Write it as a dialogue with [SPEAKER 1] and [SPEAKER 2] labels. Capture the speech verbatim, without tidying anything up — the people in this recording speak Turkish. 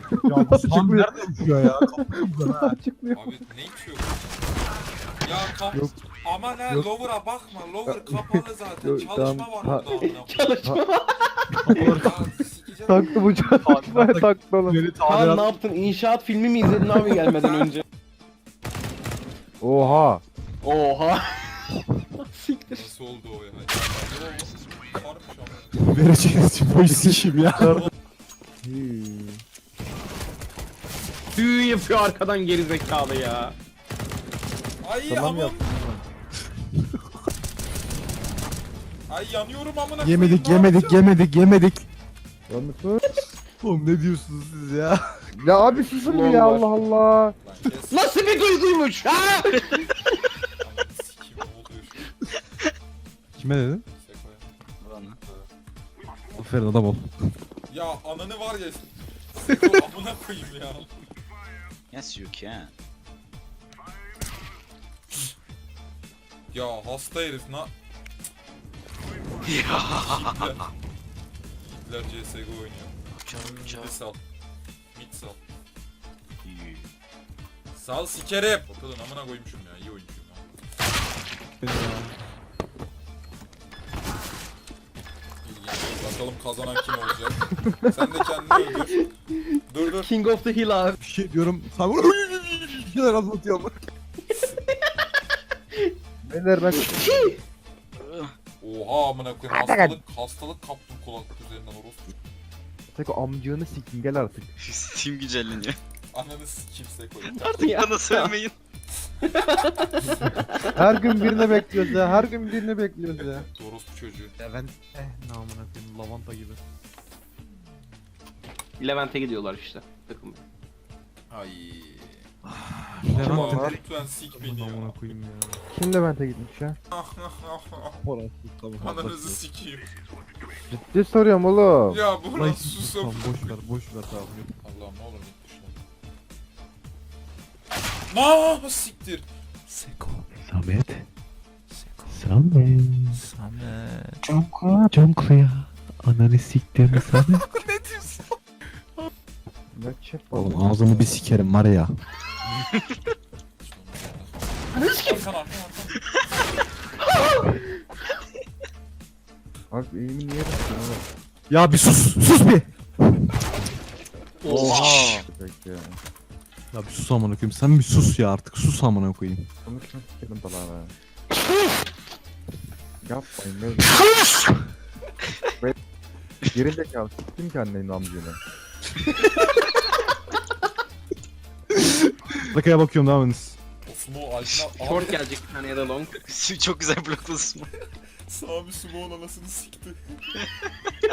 [SPEAKER 1] Ya bu Sam nerede uçuyor ya? Kapıyı ha.
[SPEAKER 2] Açıklıyor.
[SPEAKER 3] Abi ne içiyor? Ya kap...
[SPEAKER 1] Yok.
[SPEAKER 3] Aman ha
[SPEAKER 1] Yok.
[SPEAKER 3] lower'a bakma. Lower kapalı zaten.
[SPEAKER 1] Yok,
[SPEAKER 3] Çalışma
[SPEAKER 1] tamam.
[SPEAKER 3] var
[SPEAKER 1] Ha-
[SPEAKER 3] orada amına
[SPEAKER 4] Çalışma.
[SPEAKER 3] koyayım. Ya sikeceğim.
[SPEAKER 4] Taktı bu çalışmaya taktı oğlum.
[SPEAKER 1] Beni
[SPEAKER 4] Kaan ne
[SPEAKER 1] tamirat.
[SPEAKER 4] yaptın? İnşaat filmi mi izledin abi gelmeden önce?
[SPEAKER 1] Oha.
[SPEAKER 4] Oha. Siktir.
[SPEAKER 3] Nasıl oldu o ya? Ya, Karmış ama.
[SPEAKER 1] Vereceğiniz için bu işi işim ya.
[SPEAKER 4] Düğün yapıyor arkadan gerizekalı ya.
[SPEAKER 3] Ay
[SPEAKER 1] Tamam
[SPEAKER 3] amım.
[SPEAKER 1] yaptım.
[SPEAKER 3] Ay yanıyorum amına koyayım.
[SPEAKER 1] Yemedik
[SPEAKER 3] ne
[SPEAKER 1] yemedik
[SPEAKER 3] yapacağım?
[SPEAKER 1] yemedik yemedik. Oğlum ne diyorsunuz siz ya?
[SPEAKER 4] Ya abi susun ya Allah Allah.
[SPEAKER 3] Lan kes.
[SPEAKER 4] Nasıl bir duyguymuş ha?
[SPEAKER 3] Sikeyim, ne oluyor şu an?
[SPEAKER 1] Kime dedin?
[SPEAKER 3] Seko'ya.
[SPEAKER 1] Aferin adam ol.
[SPEAKER 3] Ya ananı var ya. Seko amına koyayım ya.
[SPEAKER 5] Yes, you can.
[SPEAKER 3] Ya hasta herif na...
[SPEAKER 5] Ya.
[SPEAKER 3] Hitler C S G O oynuyor.
[SPEAKER 5] Çok
[SPEAKER 3] Mid
[SPEAKER 5] çok
[SPEAKER 3] sal. Mid sal.
[SPEAKER 5] iyi.
[SPEAKER 3] Sal sikerim. Bakalım amına koymuşum ya. İyi oyuncuyum ya. İlginç. Bakalım kazanan kim olacak. Sen de kendini öldür. Dur dur.
[SPEAKER 4] King of the Hill abi.
[SPEAKER 1] Bir şey diyorum. Sen bir şeyler anlatıyor ama.
[SPEAKER 4] Beyler ben
[SPEAKER 3] Oha amına koyayım. Hastalık, hastalık kaptım kulaklık üzerinden orospu.
[SPEAKER 4] Tek amcığını sikin gel artık.
[SPEAKER 5] Steam güncelleniyor.
[SPEAKER 3] Ananı sikeyim Seko.
[SPEAKER 5] Artık bana söylemeyin.
[SPEAKER 4] Her gün birine bekliyoruz ya. Her gün birine bekliyoruz ya.
[SPEAKER 3] Orospu çocuğu.
[SPEAKER 1] Levent eh namına koyayım lavanta gibi.
[SPEAKER 4] Levent'e gidiyorlar işte. Takım.
[SPEAKER 3] Ay.
[SPEAKER 1] Levent
[SPEAKER 3] Ama
[SPEAKER 1] de
[SPEAKER 3] lütfen sik beni ya.
[SPEAKER 1] namına koyayım ya.
[SPEAKER 4] Kim Levent'e gitmiş ya?
[SPEAKER 1] Orası tamam.
[SPEAKER 3] Ananızı sikeyim.
[SPEAKER 4] Ciddi soruyorum oğlum.
[SPEAKER 3] Ya bu
[SPEAKER 1] Lan
[SPEAKER 3] nasıl susam?
[SPEAKER 1] Tamam boş ver boş ver tamam.
[SPEAKER 3] Allah'ım ne olur git dışına. Ma siktir.
[SPEAKER 1] Seko.
[SPEAKER 6] Samet. Samet.
[SPEAKER 1] Samet.
[SPEAKER 6] Cankla. Cankla ya. Ananı siktirme Samet.
[SPEAKER 3] Ne diyorsun?
[SPEAKER 4] Ne çep
[SPEAKER 1] Oğlum ağzını bir sikerim var ya.
[SPEAKER 3] Arkan arkan arkan.
[SPEAKER 4] Abi eğimi niye yapıyorsun oğlum?
[SPEAKER 1] Ya bir sus sus bir.
[SPEAKER 4] Oha. Peki ya.
[SPEAKER 1] Ya bir sus amına koyayım. Sen bir sus ya artık sus amına koyayım.
[SPEAKER 4] Konuşma sikerim falan ha. Yapmayın ne? Ve gerizekalı siktim ki annenin amcığını.
[SPEAKER 1] Dakikaya bakıyorum devam ediniz.
[SPEAKER 3] O sumo altına
[SPEAKER 4] Short
[SPEAKER 3] abi.
[SPEAKER 4] gelecek bir tane ya da long.
[SPEAKER 5] Çok güzel blokladın.
[SPEAKER 3] Sağ bir sumo'nun anasını sikti.